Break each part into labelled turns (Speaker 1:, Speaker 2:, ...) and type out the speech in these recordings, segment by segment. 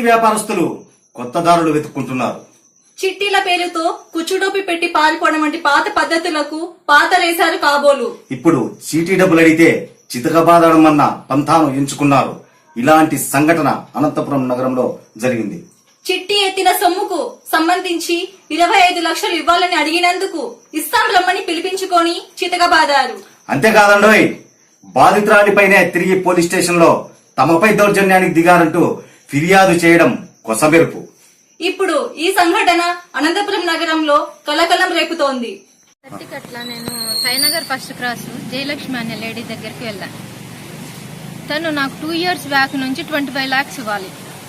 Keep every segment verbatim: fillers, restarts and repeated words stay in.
Speaker 1: వ్యాపారస్తులు కొత్త దారులు వెతుక్కుంటున్నారు.
Speaker 2: చిట్టీల పేరుతో కుచ్చుడోపి పెట్టి పారిపోవడం వంటి పాత పద్ధతులకు పాతలేశారు కాబోలు.
Speaker 1: ఇప్పుడు చీటీ డబ్బులు అడిగితే చితకబాదడం అన్న పంథాను ఎంచుకున్నారు. ఇలాంటి సంఘటన అనంతపురం నగరంలో జరిగింది.
Speaker 2: చిట్టి ఎత్తిన సొమ్ముకు సంబంధించి ఇరవై ఐదు లక్షలు ఇవ్వాలని అడిగినందుకు ఇస్తాం రమ్మని పిలిపించుకొని చితకబాదారు.
Speaker 1: అంతేకాదండోయ్, బాధితురాలిపైనే తిరిగి పోలీస్ స్టేషన్ లో తమపై దౌర్జన్యానికి దిగారంటూ ఫిర్యాదు చేయడం కొసమెరుపు.
Speaker 2: ఇప్పుడు ఈ సంఘటన అనంతపురం నగరంలో కలకలం రేపుతోంది.
Speaker 3: అట్లా నేను సాయినగర్ ఫస్ట్ క్రాస్ జయలక్ష్మి అనే లేడీ దగ్గరికి వెళ్ళాను. తను నాకు టూ ఇయర్స్ బ్యాక్ నుంచి ట్వంటీ ఫైవ్ లాక్స్ ఇవ్వాలి.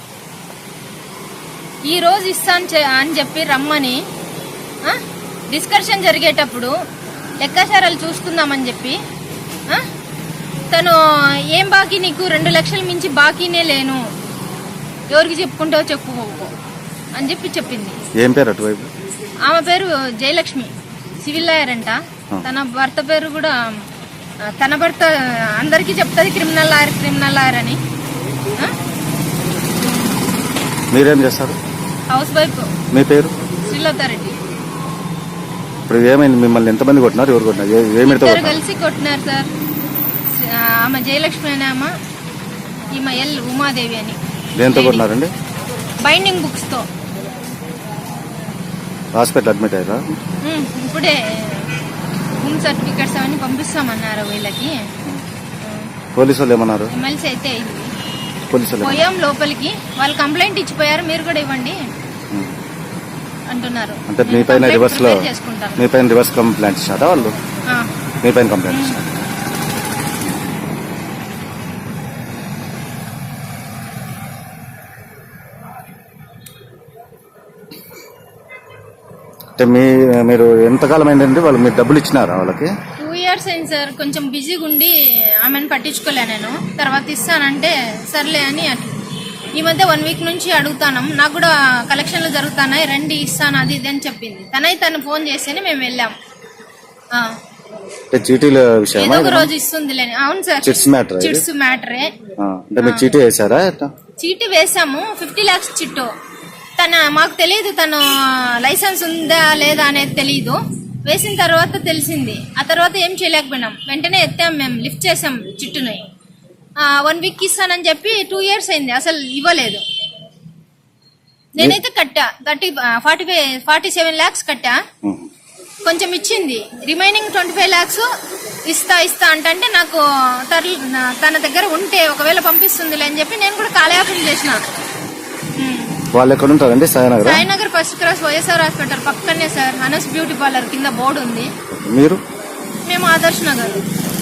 Speaker 3: ఈ రోజు ఇస్తాను అని చెప్పి రమ్మని డిస్కషన్ జరిగేటప్పుడు లెక్కాచారాలు చూసుకుందామని చెప్పి తను ఏం బాకీ నీకు రెండు లక్షల మించి బాకీనే లేను, ఎవరికి చెప్పుకుంటావో చెప్పుకోకు అని చెప్పి చెప్పింది.
Speaker 4: ఏం పేరు అటువైపు?
Speaker 3: ఆమె పేరు జయలక్ష్మి, సివిల్ లాయర్ అంట. తన భర్త పేరు కూడా తన భర్త అందరికీ చెప్తుంది క్రిమినల్ లాయర్ క్రిమినల్ లాయర్ అని.
Speaker 4: మీరేం చేస్తారు?
Speaker 3: House wife.
Speaker 4: మీ పేరు?
Speaker 3: శ్రీలతారెడ్డి.
Speaker 4: ఇప్పుడు ఏమైంది? మిమ్మల్ని ఎంతమంది కొట్టినారు? ఎవరు కొట్టినారు?
Speaker 3: ఇద్దరు కలిసి కొట్టినారు సార్. ఆమె జయలక్ష్మి అని ఆమె, ఈమె ఎల్ ఉమాదేవి అని.
Speaker 4: దేంతో కొట్టినారండి?
Speaker 3: బైండింగ్ బుక్స్ తో.
Speaker 4: హాస్పిటల్ అడ్మిట్ అయ్యారా?
Speaker 3: ఇప్పుడే హోమ్ సర్టిఫికెట్స్ అవన్నీ పంపిస్తామన్నారు వీళ్ళకి.
Speaker 4: పోలీసు వాళ్ళు ఏమన్నారు?
Speaker 3: ఎమ్మెల్సీ అయితే అయింది.
Speaker 4: పోలీసులు
Speaker 3: పోయాం లోపలికి, వాళ్ళు కంప్లైంట్ ఇచ్చిపోయారు, మీరు కూడా ఇవ్వండి అంటున్నారు.
Speaker 4: అంటే మీ పైన రివర్స్ లో మీ పైన రివర్స్ కంప్లైంట్ ఇచ్చారా వాళ్ళు? మీ పైన కంప్లైంట్ ఇచ్చారు. అంటే మీ మీరు ఎంతకాలం అయిందండి వాళ్ళు మీరు డబ్బులు ఇచ్చినారా వాళ్ళకి?
Speaker 3: టూ ఇయర్స్ అయింది సార్. కొంచెం బిజీగా ఉండి ఆమెను పట్టించుకోలే నేను. తర్వాత ఇస్తానంటే సర్లే అని అట్లా. ఈ మధ్య వన్ వీక్ నుంచి అడుగుతాను, నాకు కూడా కలెక్షన్లు జరుగుతున్నాయి రండి ఇస్తాను అది ఇది అని చెప్పింది. తనై తను ఫోన్ చేస్తేనే మేము వెళ్ళాం.
Speaker 4: చీటీల విషయం
Speaker 3: ఏదో ఒక రోజు ఇస్తుంది. అవును సార్,
Speaker 4: చిట్స్ మ్యాటర్.
Speaker 3: చిట్స్ మ్యాటరే.
Speaker 4: చీటీ వేసారా?
Speaker 3: చీటీ వేసాము, ఫిఫ్టీ లాక్స్ చిట్టు. తన మాకు తెలియదు తను లైసెన్స్ ఉందా లేదా అనేది తెలియదు. వేసిన తర్వాత తెలిసింది. ఆ తర్వాత ఏం చేయలేకపోయినాం, వెంటనే ఎత్తాం, మేము లిఫ్ట్ చేసాం చిట్టుని. వన్ వీక్ ఇస్తానని చెప్పి టూ ఇయర్స్ అయింది, అసలు ఇవ్వలేదు. నేనైతే కట్టా thirty forty five forty seven lakhs కట్టా. కొంచెం ఇచ్చింది, రిమైనింగ్ ట్వంటీ ఫైవ్ లాక్స్ ఇస్తా ఇస్తా అంటే నాకు తన దగ్గర ఉంటే ఒకవేళ పంపిస్తుందిలే అని చెప్పి నేను కూడా కాలయాపన చేసిన.
Speaker 4: వాళ్ళు ఎక్కడ ఉంటారండి? Sainagar.
Speaker 3: Sainagar first cross YSR hospital పక్కనే సార్. అనస్ బ్యూటీ పార్లర్ కింద బోర్డు ఉంది.
Speaker 4: మీరు?
Speaker 3: మేము ఆదర్శ్ నగర్.